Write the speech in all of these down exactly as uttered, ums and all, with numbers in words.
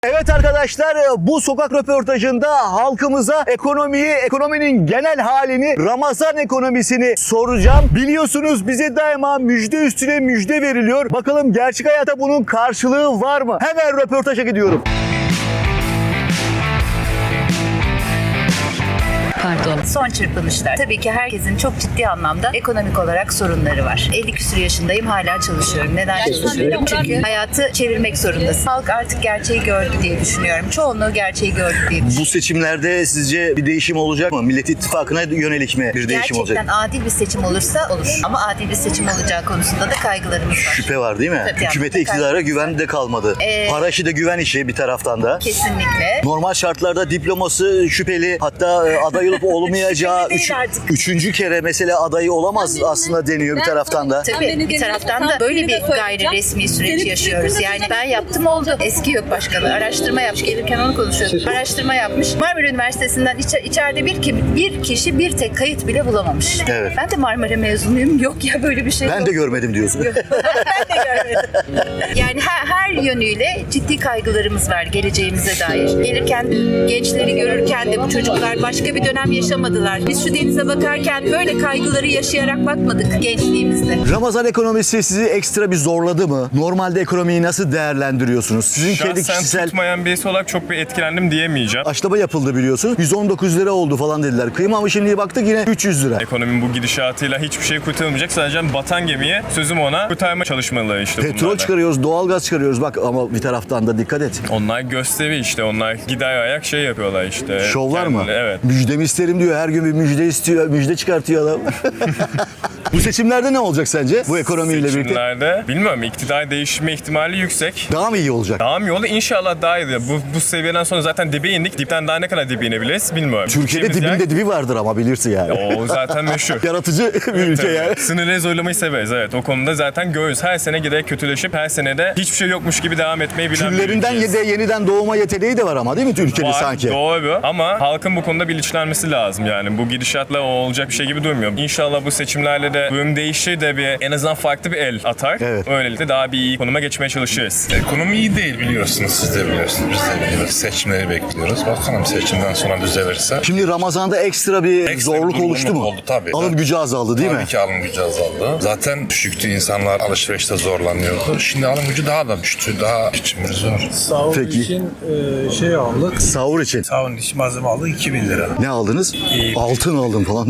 Evet arkadaşlar, bu sokak röportajında halkımıza ekonomiyi, ekonominin genel halini, Ramazan ekonomisini soracağım. Biliyorsunuz bize daima müjde üstüne müjde veriliyor. Bakalım gerçek hayatta bunun karşılığı var mı? Hemen röportaja gidiyorum. Pardon. Son çırpınışlar. Tabii ki herkesin çok ciddi anlamda ekonomik olarak sorunları var. elli küsur yaşındayım, hala çalışıyorum. Neden çalışıyorum? Çünkü hayatı çevirmek zorundasın. Halk artık gerçeği gördü diye düşünüyorum. Çoğunluğu gerçeği gördü diye düşünüyorum. Bu seçimlerde sizce bir değişim olacak mı? Millet İttifakı'na yönelik mi bir değişim olacak? Gerçekten adil bir seçim olursa olur. Ama adil bir seçim olacağı konusunda da kaygılarımız var. Şüphe var değil mi? Tabii, Hükümete, yani, iktidara güven de kalmadı. Ee, Para işi de güven işi bir taraftan da. Kesinlikle. Normal şartlarda diploması şüpheli, hatta aday olup olmayacağı Şüpheli üç, değil artık. üçüncü kere mesela adayı olamaz aslında deniyor bir taraftan da. Tabii bir taraftan da böyle bir gayri resmi süreç yaşıyoruz. Yani ben yaptım oldu. Eski yok başkanı. Araştırma yapmış. Gelirken onu konuşuyorduk. Araştırma yapmış. Marmara Üniversitesi'nden içe, içeride bir, ki, bir kişi bir tek kayıt bile bulamamış. Evet. Ben de Marmara mezunuyum. Yok ya böyle bir şey Ben yok. de görmedim diyorsun. ben de görmedim. Yani her, her yönüyle ciddi kaygılarımız var geleceğimize dair. Gelirken gençleri görürken de bu çocuklar başka bir dönem yaşamadılar. Biz şu denize bakarken böyle kaygıları yaşayarak bakmadık gençliğimizde. Ramazan ekonomisi sizi ekstra bir zorladı mı? Normalde ekonomiyi nasıl değerlendiriyorsunuz? Sizin kendi Şahsen kişisel tutmayan birisi olarak çok bir etkilendim diyemeyeceğim. aşılama yapıldı biliyorsunuz. yüz on dokuz lira oldu falan dediler. Kıyma ama şimdi baktık yine üç yüz lira. Ekonominin bu gidişatıyla hiçbir şey kurtarılmayacak. Sadece batan gemiye sözüm ona kurtarma çalışmaları işte Petrol bunlardan. çıkarıyoruz, doğalgaz çıkarıyoruz. Bak ama bir taraftan da dikkat et. Onlar gösteri işte. Onlar gider ayak şey yapıyorlar işte. Şovlar mı? Kendileri- Evet. Müjdemi isterim diyor. Her gün bir müjde istiyor, müjde çıkartıyor adam. Bu seçimlerde ne olacak sence? Bu ekonomiyle birlikte. Seçimlerde bilmiyorum, iktidar değişme ihtimali yüksek. Daha mı iyi olacak? Daha mı iyi olur? İnşallah daha iyi. Bu, bu seviyeden sonra zaten dibe indik. Dipten daha ne kadar dibe inebiliriz bilmiyorum. Türkiye'de Gideceğimiz dibinde dibi vardır ama bilirsin yani. yer- O zaten meşhur. Yaratıcı bir ülke Tabii. yani. Sınırları zorlamayı severiz, evet. O konuda zaten görüyoruz. Her sene giderek kötüleşip her sene de hiçbir şey yokmuş gibi devam etmeyi bilen bir Küllerinden ülkeyiz. yede, yeniden doğma yeteneği de var ama değil mi Türkiye'de Var, sanki? doğru ama halkın bu konuda bilinçlenmesi lazım yani. Bu gidişatla o olacak bir şey gibi durmuyor. İnşallah bu seçimlerle de durum değişir de bir en azından farklı bir el atar. Evet. Öylelikle daha bir iyi konuma geçmeye çalışırız. Ekonomi iyi değil biliyorsunuz, siz de biliyorsunuz, biz de biliyoruz. Seçimleri bekliyoruz. Bakalım seçimden sonra düzelirse. Şimdi Ramazan'da ekstra bir Ekstra bir zorluk durgunluk oluştu mu? oldu tabii. Alım gücü azaldı değil Tabii mi? ki alım gücü azaldı. Zaten düşüktü, insanlar alışverişte zorlanıyordu. Şimdi alım gücü daha da düştü, daha içimiz zor. Sahur Peki. için e, şey aldık. Sahur için. Sahurun için malzeme aldık iki bin lira. Ne aldınız? Altın aldım falan.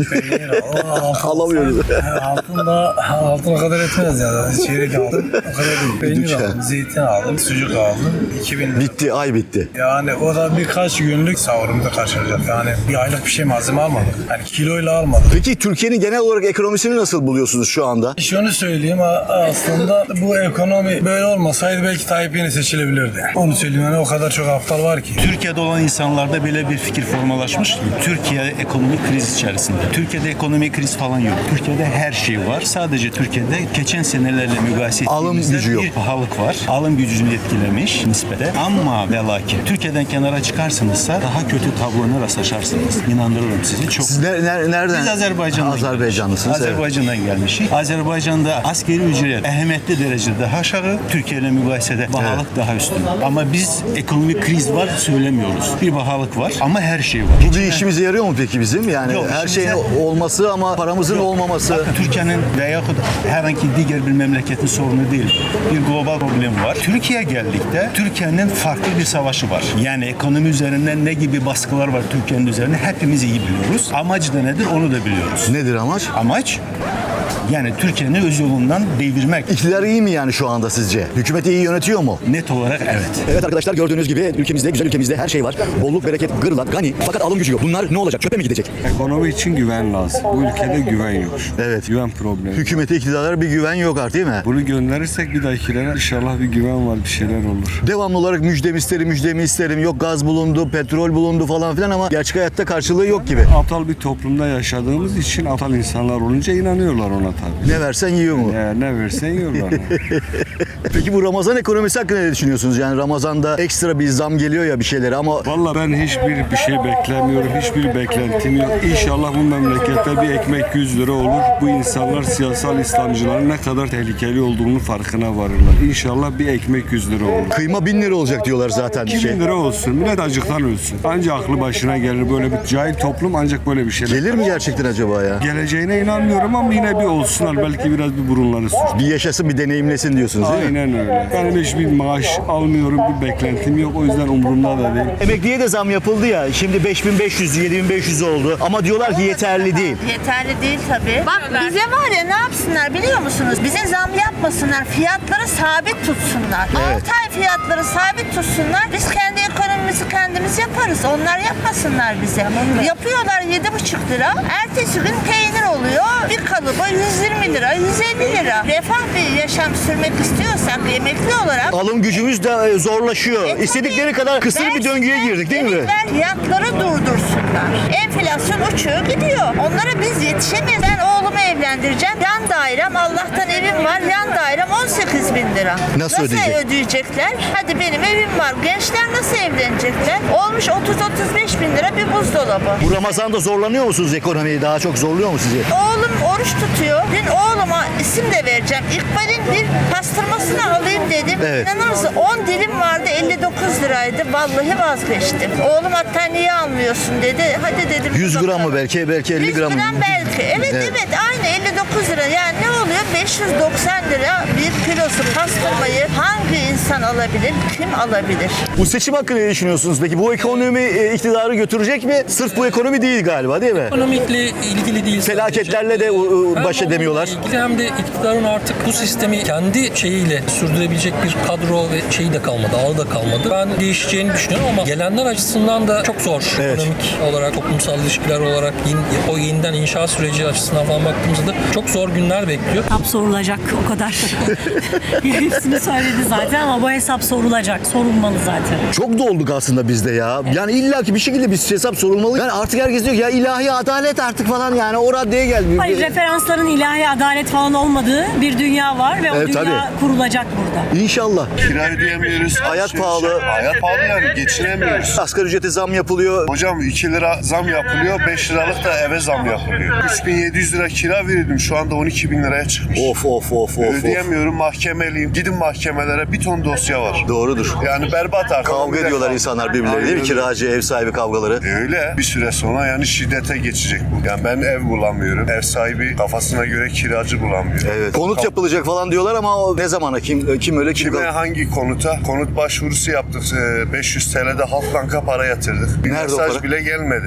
Altın, Alamıyoruz. altın da altına kadar etmez ya. Çeyrek aldım. O kadar değil. Peynir Lütfen. aldım, zeytin aldım, sucuk aldım. iki bin lira. Bitti, ay bitti. Yani o da birkaç günlük sahurumda karşılayacak. Yani bir aylık bir şey malzeme almadık. Yani kiloyla almadık. Peki Türkiye'nin genel olarak ekonomisini nasıl buluyorsunuz şu anda? Şunu söyleyeyim a- aslında bu ekonomi böyle olmasaydı belki Tayyip yine seçilebilirdi. Onu söyleyeyim yani o kadar çok aptal var ki. Türkiye'de olan insanlarda böyle bir fikir formalaşmış ki Türkiye ekonomik kriz içerisinde. Türkiye'de ekonomik kriz falan yok. Türkiye'de her şey var. Sadece Türkiye'de geçen senelerle mukayese Alım ettiğimizde gücü yok. bir pahalılık var. Alım gücünü etkilemiş nispete. Ama ve lakin Türkiye'den kenara çıkarsanızsa daha kötü tablolara rastlaşarsınız. İnandırırım sizi. Çok Siz ne- ne- nereden? Biz Azerbaycan'dan Azerbaycanlısınız. Evet. Azerbaycan'dan gelmişik. Azerbaycan'da askeri ücret ehemmiyetli derecede daha aşağı, Türkiye ile mukayesede bahalık daha üstün. Ama biz ekonomik kriz var söylemiyoruz. Bir bahalık var ama her şey var. Bu bir işimize yarıyor mu peki bizim? Yani Yok, her işimize- şeyin olması ama paramızın olmaması. Bakın, Türkiye'nin veya herhangi diğer bir memleketin sorunu değil. Bir global problem var. Türkiye geldikte Türkiye'nin farklı bir savaşı var. Yani ekonomi üzerinden ne gibi baskılar var Türkiye'nin üzerine hepimiz iyi biliyoruz. Amacı da nedir onu da biliyoruz. Nedir amaç? Amaç yani Türkiye'nin öz yolundan devirmek. İktidar iyi mi yani şu anda sizce? Hükümet iyi yönetiyor mu? Net olarak evet. Evet arkadaşlar, gördüğünüz gibi ülkemizde, güzel ülkemizde her şey var. Bolluk, bereket, gırlak, gani. Fakat alım gücü yok. Bunlar ne olacak? Çöpe mi gidecek? Ekonomi için güven lazım. Bu ülkede güven yok. Evet. Güven problemi. Hükümete, iktidara bir güven yok artık değil mi? Bunu gönderirsek bir dahakilere inşallah bir güven var, bir şeyler olur. Devamlı olarak müjdemi isterim, müjdemi isterim. Yok gaz bulundu, petrol bulundu falan filan ama gerçek hayatta karşılığı yok gibi. Aptal bir toplumda yaşadığımız için aptal insanlar olunca inanıyorlar ona tabii. Ne versen yiyor mu? Ya, ne versen yiyorlar. Peki bu Ramazan ekonomisi hakkında ne düşünüyorsunuz? Yani Ramazan'da ekstra bir zam geliyor ya bir şeylere ama Vallahi ben hiçbir bir şey beklemiyorum. Hiçbir beklentim yok. İnşallah bu memlekette bir ekmek yüz lira olur. Bu insanlar siyasal İslamcıların ne kadar tehlikeli olduğunu farkına varırlar. İnşallah bir ekmek yüz lira olur. kıyma bin lira olacak diyorlar zaten. iki Şey. bin lira olsun. Millet acıktan ölsün. Ancak aklı başına gelir. Böyle bir cahil toplum ancak böyle bir şeyler. Gelir mi gerçekten acaba ya? Geleceğine inanmıyorum ama yine bir olsunlar. Belki biraz bir burunları sür. Bir yaşasın bir deneyimlesin diyorsunuz değil mi? Aynen öyle. Benim hiçbir maaş almıyorum. Bir beklentim yok. O yüzden umurumda da değil. Emekliye de zam yapıldı ya. Şimdi beş bin beş yüz, yedi bin beş yüz oldu. Ama diyorlar ki yeterli değil. Yeterli değil tabii. Bak bize var ya ne yapsınlar biliyor musunuz? Bize zam yapmasınlar. Fiyatları sabit tutsunlar. Evet. altı ay fiyatları sabit tutsunlar. Biz kendi ekonomimizi kendimiz yaparız. Onlar yapmasınlar bize. Yapıyorlar yedi buçuk lira. Ertesi gün peynir oluyor. Bir kalıba yüz yirmi lira, yüz elli lira. Refah bir yaşam sürmek istiyorsak emekli olarak Alım gücümüz de e, zorlaşıyor. E, İstedikleri tabii. kadar kısır Ben bir döngüye size girdik değil mi? emekler fiyatları durdursunlar. Enflasyon uçuyor gidiyor. Onlara biz yetişemeyiz. Ben oğlumu evlendireceğim. Yan dairem Allah'tan evim var. Yan dairem on sekiz bin lira. Nasıl ödeyecek? ödeyecekler? Hadi benim evim var. Gençler nasıl evlenecekler? Olmuş otuz otuz beş bin lira bir buzdolabı. Bu Ramazan'da zorlanıyor musunuz ekonomiyi? Daha çok zorluyor mu sizi? Oğlum oruç tutuyor. Dün oğluma isim de vereceğim. İkbal'in bir pastırmasını alayım dedim. Evet. İnanır mısın? on dilim vardı elli dokuz liraydı. Vallahi vazgeçtim. Oğlum hatta niye almıyorsun dedi. Hadi dedim. yüz gram bakalım. mı belki? Belki elli yüz gram mı? gram belki. Evet, Evet. evet aynı elli dokuz lira. Yani ne oluyor? beş yüz doksan lira bir kilosu pastırmayı hangi insan alabilir? Kim alabilir? Bu seçim hakkında ne düşünüyorsunuz? Peki bu ekonomi e, iktidarı götürecek mi? Sırf bu ekonomi değil galiba değil mi? Ekonomikle ilgili değil. Felaketlerle de e, Hem baş edemiyorlar. onunla ilgili hem de iktidarın artık bu sistemi kendi şeyiyle sürdürebilecek bir kadro ve şeyi de kalmadı, ağı da kalmadı. Ben değişeceğini düşünüyorum ama gelenler açısından da çok zor. Evet. Ekonomik olarak, toplumsal ilişkiler olarak, o yeniden inşa süreci açısından falan baktığımızda da çok zor günler bekliyor. Hesap sorulacak o kadar. Hepsini söyledi zaten ama bu hesap sorulacak. Sorulmalı zaten. Çok dolduk aslında bizde ya. Yani illaki bir şekilde bir hesap sorulmalı. Yani artık herkes diyor ki ya ilahi adalet artık falan yani o raddeye geldi. Hayır, referansların ilahi adalet falan olmadığı bir dünya var ve o Evet, dünya tabii. kurulacak burada. İnşallah. Kira ödeyemiyoruz. Hayat pahalı. Hayat pahalı yani geçinemiyoruz. Asgari ücrete zam yapılıyor. Hocam iki lira zam yapılıyor, beş liralık da eve zam yapılıyor. üç bin yedi yüz lira kira verirdim, şu anda on iki bin liraya çıkmış. Of of of of. of. Ödeyemiyorum, mahkemeliyim. Gidin mahkemelere, bir ton dosya var. Doğrudur. Yani berbat artık. Kavga ediyorlar Kavga. insanlar birbirleri değil mi? Aynen. Kiracı, ev sahibi kavgaları. Öyle. Bir süre sonra yani şiddete geçecek bu. Yani ben ev bulamıyorum. Ev sahibi kafasına göre kiracı bulamıyor. Evet. Konut yapılacak falan diyorlar ama o ne zamana? Kim kim öyle kim Kime kal- hangi konuta? Konut başvurusu yaptık. Ee, beş yüz T L'de Halk Banka para yatırdık. Bir Nerede o mesaj para? bile gelmedi.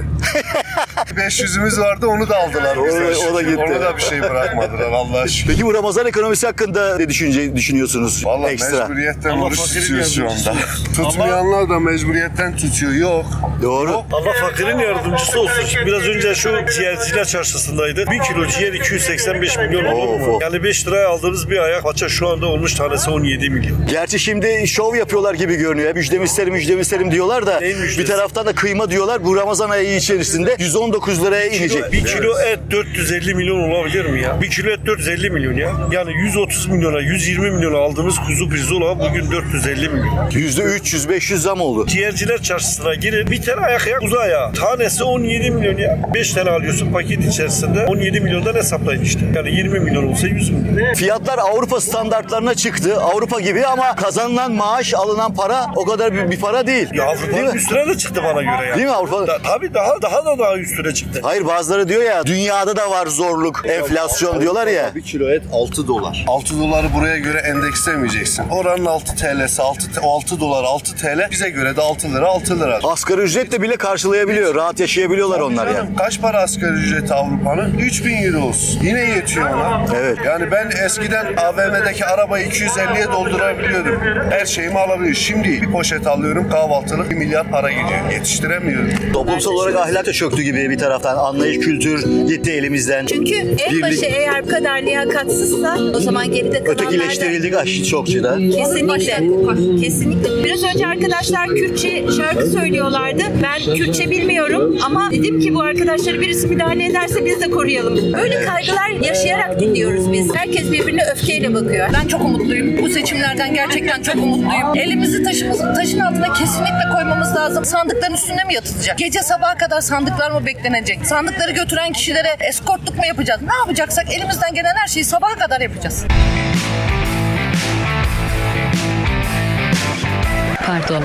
beş yüzümüz vardı, onu da aldılar O- bize. o da gitti. Onu da bir şey bırakmadılar Allah'a şükür. Peki bu Ramazan ekonomisi hakkında ne düşünce, düşünüyorsunuz? Vallahi Ekstra. mecburiyetten oruç tutuyoruz şu anda. Tutmayanlar da mecburiyetten tutuyor. Yok. Doğru. Allah fakirin yardımcısı olsun. Şimdi biraz önce şu ciğerciler çarşısındaydı. Bir kilo ciğer iki yüz seksen beş milyon olur Of, mu? of. Yani beş liraya aldığınız bir ayak paça şu anda olmuş tanesi on yedi milyon. Gerçi şimdi şov yapıyorlar gibi görünüyor. Müjdemi isterim, müjdemi isterim diyorlar da Neyin müjdesi? bir taraftan da kıyma diyorlar. Bu Ramazan ayı içerisinde yüz on dokuz liraya inecek. Bir kilo et dört yüz elli milyon olabilir mi ya? Bir kilo et dört yüz elli milyon ya. Yani yüz otuz milyona, yüz yirmi milyona aldığımız kuzu pirzola bugün dört yüz elli milyon. yüzde üç yüz beş yüz zam oldu. Ciğerciler çarşısına girin. Bir tane ayak ya kuzu ayağı. Tanesi on yedi milyon ya. beş tane alıyorsun paket içerisinde. on yedi milyondan hesaplayın işte. Yani yirmi milyon olsa yüz milyon. Fiyatlar Avrupa standartlarına çıktı. Avrupa gibi ama kazanılan maaş, alınan para o kadar bir, bir para değil. Ya Değil Avrupa'nın mi? üstüne de çıktı bana göre ya. Değil mi Avrupa? Da, tabii daha daha da daha üstüne çıktı. Hayır bazıları diyor ya dünyada da var zorluk, enflasyon diyorlar ya. Bir kilo et altı dolar. altı doları buraya göre endekslemeyeceksin. Oranın altı T L'si altı, altı dolar altı T L. Bize göre de altı lira altı lira. Asgari ücretle bile karşılayabiliyor. Rahat yaşayabiliyorlar onlar Canım, yani. Kaç para asgari ücreti Avrupa'nın? üç bin euro olsun. Yine yetiyor ona. Evet. Yani ben eskiden A V M'deki arabayı iki yüz elliye doldurabiliyordum. Her şeyimi alabiliyorum. Şimdi bir poşet alıyorum kahvaltılık bir milyar para gidiyor. Yetiştiremiyorum. Toplumsal olarak ahlak da çöktü gibi bir taraftan. Anlayış, kültür gitti elimizden. Çünkü En başı eğer bu kadar liyakatsızsa o zaman geride kalanlar da... Ötekileştirildik aşı çokçuda. Kesinlikle. Kesinlikle. Biraz önce arkadaşlar Kürtçe şarkı söylüyorlardı. Ben Kürtçe bilmiyorum ama dedim ki bu arkadaşları birisi müdahale ederse biz de koruyalım. Böyle kaygılar yaşayarak dinliyoruz biz. Herkes birbirine öfkeyle bakıyor. Ben çok umutluyum. Bu seçimlerden gerçekten çok umutluyum. Elimizi taşımızın taşın altına kesinlikle koymamız lazım. Sandıkların üstünde mi yatılacak? Gece sabaha kadar sandıklar mı beklenecek? Sandıkları götüren kişilere eskortluk mu yapacağız? Ne yapacaksak elimizden gelen her şeyi sabaha kadar yapacağız. Pardon.